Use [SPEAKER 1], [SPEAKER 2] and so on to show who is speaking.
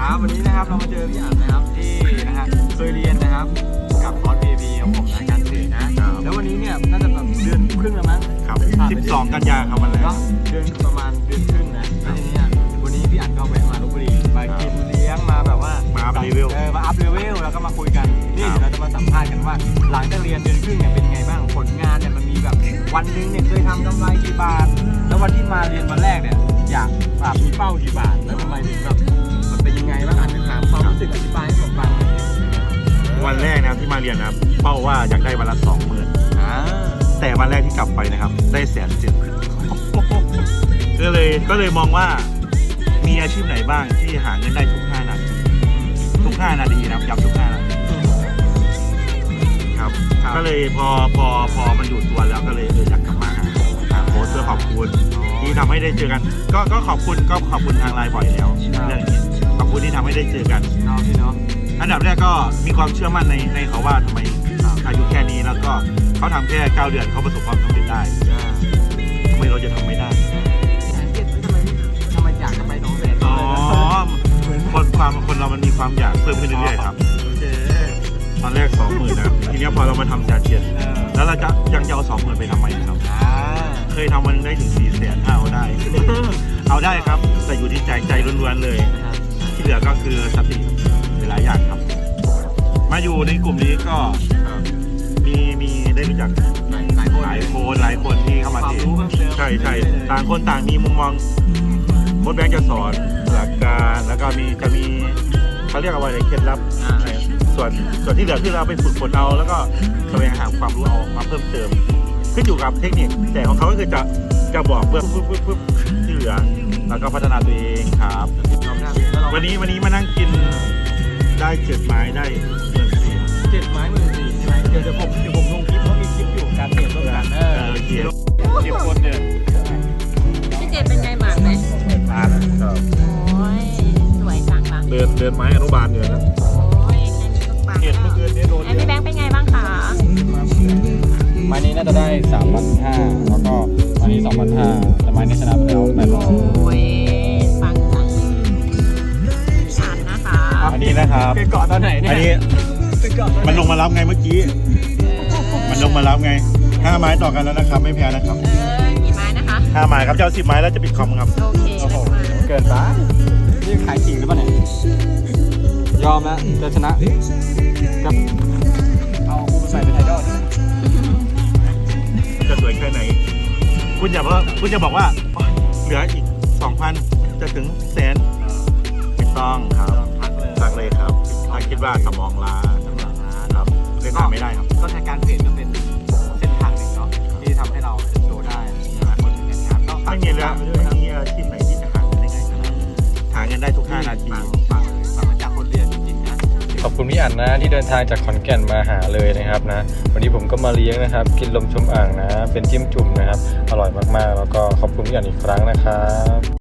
[SPEAKER 1] ครับวันนี้นะครับเรามาเจอพี่อั๋นนะครับที่นะฮะเคยเรียนนะครับกับคอร์ส PAP ของผมในการเทรดนะแล้ววันนี้เนี่ยน่าจะแบบเดือนครึ่งแล้วมั้ง
[SPEAKER 2] ครับ12 กันยาครับวันแรก
[SPEAKER 1] เนาะเดือนประมาณเดือนครึ่งนะแล้วทีนี้วันนี้พี่อั๋นก็แวะมาลพบุรีมากินเลี้ยงมาแบบว่า
[SPEAKER 2] มาอัพเลเวล
[SPEAKER 1] มาอัพเลเวลแล้วก็มาคุยกันนี่เดี๋ยวเราจะมาสัมภาษณ์กันว่าหลังจากเรียนเดือนครึ่งเนี่ยเป็นไงบ้างผลงานเนี่ยมันมีแบบวันนึงเนี่ยเคยทำกำไรกี่บาทแล้ววันที่มาเรียนวันแรกเนี่ยอยากมีเป้ากี่บาทแล้วทำไมถึงแบบมันเป็นยังไงบ้างอาจจะถามความรู้สึกอธิบายให้ผมฟังหน่อย
[SPEAKER 2] วันแรกนะครับที่มาเรียนนะครับเป้าว่าอยากได้วันละ 20,000แต่วันแรกที่กลับไปนะครับได้170,000ก็เลยมองว่ามีอาชีพไหนบ้างที่หาเงินได้ทุก5 นาทีนะครับย้ำทุก5 นาทีครับก็เลยพอมันอยู่ตัวแล้วก็เลยอยากกลับมาโพสต์เพื่อขอบคุณที่ทำให้ได้เจอกันก็ขอบคุณทางไลน์บ่อยแล้วเรื่องนี้ขอบคุณที่ทำให้ได้เจอกัน
[SPEAKER 1] พี่เนาะ
[SPEAKER 2] อันดับแรกก็มีความเชื่อมั่นในเขาว่าทำไมอายุแค่นี้แล้วก็เขาทำแค่9 เดือนเขาประสบความสำเร็จได้ทำไมเราจะทำไม่ได้
[SPEAKER 1] ทำไมอยากจะไปน้องแสน
[SPEAKER 2] อ๋อคนเรามันมีความอยากเพิ่มขึ้นเรื่อยๆครับตอนแรก 20,000นะครับทีนี้พอเรามาทำ170,000แล้วเราจะยังจะเอา 20,000ไปทำไมครับเคยทำวันนึงได้ถึง400,000เอาได้ครับแต่อยู่ที่ใจล้วนๆเลยที่เหลือก็คือสติหลายอย่างครับมาอยู่ในกลุ่มนี้ก็มีได้รู้จักหลายคนที่เข้ามาเทรดใช่ต่างคนต่างมีมุมมองโค้ชแบงค์จะสอนหลักการแล้วก็จะมีเขาเรียกว่าอะไรเคล็ดลับส่วนที่เหลือที่เราไปฝึกฝนเอาแล้วก็แสวงหาความรู้เอามาเพิ่มเติมขึ้นอยู่กับเทคนิคแต่ของเขาก็คือจะบอกเบื้องปุ๊บที่เหลือแล้วก็พัฒนาตัวเองครับวันนี้มานั่งกินได้7 ไม้ได้14,000
[SPEAKER 1] 7 ไม้ 14,000ใช่ไหมเดี๋ยวผมลงคลิปเพราะมีคลิปอยู่การเทรดร่วมกัน10 คนเนี่ย
[SPEAKER 3] พี่เจเป็นไงหมากไหม
[SPEAKER 2] มาแล้วครับ
[SPEAKER 3] โอ้ยสวยจังละ
[SPEAKER 2] เดินไม้อนุบาลอยู่นะ
[SPEAKER 3] โอ้ยแค่นี้ก็ปัง
[SPEAKER 1] เห็นเมื่อคืนนี้โดน
[SPEAKER 3] พี่แบงค์เป็นไงบ้างคะ
[SPEAKER 1] ไม้นี้น่าจะได้ 3,500แล้วก็อันนี้ 2,500แต่ไม้นี้ชนะไปแล้ว800
[SPEAKER 3] โอ้ยปังจังอ่านนะคะ
[SPEAKER 2] อันนี้นะครับ
[SPEAKER 1] เป็นเกาะตอนไหนเนี่ย
[SPEAKER 2] อันนี้มันลงมารับไงเมื่อกี้มันลงมารับไง5 ไม้ต่อกันแล้วนะครับไม่แพ้นะครับ
[SPEAKER 3] กี่ไม้นะคะ
[SPEAKER 2] 5 ไม้ครับเจ้า10 ไม้แล้วจะปิดคอมครับ
[SPEAKER 3] โอเค
[SPEAKER 1] เกินไปนี่ขายจริงหรือเปล่าเนี่ยยอมแล้วจะชนะกับเอาคูไปใส่เป็นไอดอล
[SPEAKER 2] จะสวยแค่ไหนคุณอย่าบอกว่าเหลืออีก 2,000 จะถึง100,000ไม่ต้องครับพักเลยครับถ้าคิดว่าสมองล้าครับเล่นไม่ได้ครับ
[SPEAKER 1] ก็ในการเทรดก็เป็นเส้นทางหนึ่งเนาะที่ทำให้เราเติบโตได้นะคนอื่นนะครับก็
[SPEAKER 2] ไม่มีเลยไม่มีอาชีพไหนที่จะหาเงินได้ง่ายขนาดนี้หาเงินได้ทุก5 นาที
[SPEAKER 1] ฟังมาจากคนเรียนจริงๆนะ
[SPEAKER 4] ขอบคุณพี่อั๋นนะที่เดินทางจากขอนแก่นมาหาเลยนะครับนะวันนี้ผมก็มาเลี้ยงนะครับกินลมชมอ่างนะเป็นจิ้มจุ่มนะครับอร่อยมากๆแล้วก็ขอบคุณพี่อั๋นอีกครั้งนะครับ